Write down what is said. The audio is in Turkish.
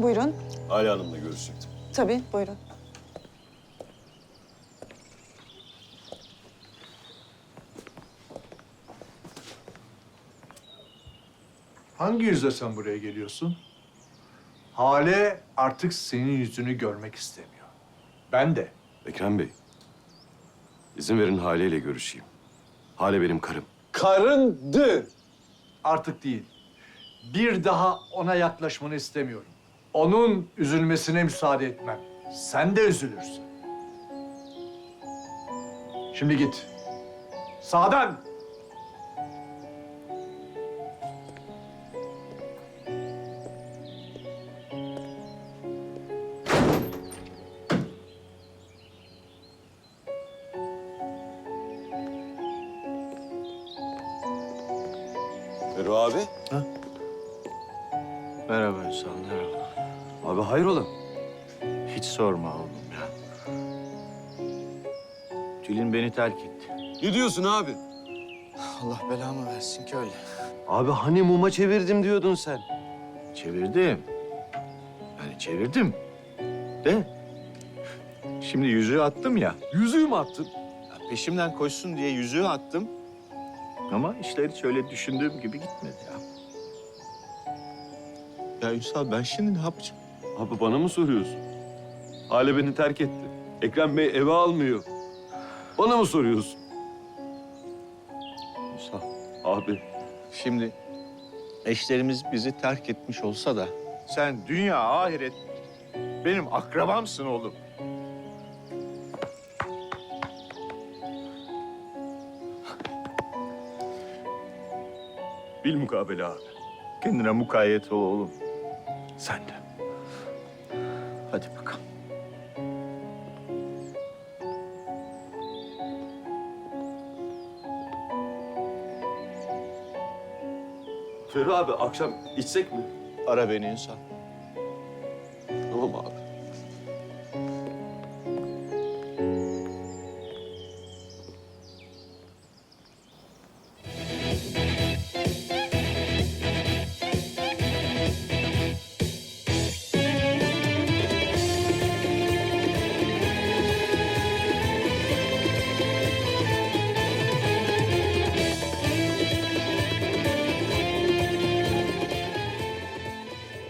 Buyurun. Hale Hanım'la görüşecektim. Tabii, buyurun. Hangi yüzle sen buraya geliyorsun? Hale artık senin yüzünü görmek istemiyor. Ben de. Ekrem Bey, izin verin Hale ile görüşeyim. Hale benim karım. Karındı. Artık değil. Bir daha ona yaklaşmanı istemiyorum. Onun üzülmesine müsaade etmem. Sen de üzülürsün. Şimdi git. Sağdan. Ferru abi. Merhaba Ünsal, merhaba. Abi hayrola? Hiç sorma oğlum ya. Tülin beni terk etti. Ne diyorsun abi? Allah belamı versin ki öyle. Abi hani muma çevirdim diyordun sen. Çevirdim. Yani çevirdim. De. Şimdi yüzüğü attım ya. Yüzüğü mü attın? Ya peşimden koşsun diye yüzüğü attım. Ama işler hiç öyle düşündüğüm gibi gitmedi ya. Ya Ünsal ben şimdi ne yapacağım? Abi bana mı soruyorsun? Hale beni terk etti. Ekrem Bey eve almıyor. Bana mı soruyorsun? Ünsal. Abi. Şimdi eşlerimiz bizi terk etmiş olsa da sen dünya ahiret benim akrabamsın oğlum. Bilmukabele abi. Kendine mukayyet ol oğlum. Sen de. Hadi bakalım. Ferru abi akşam içsek mi? Ara beni Ünsal.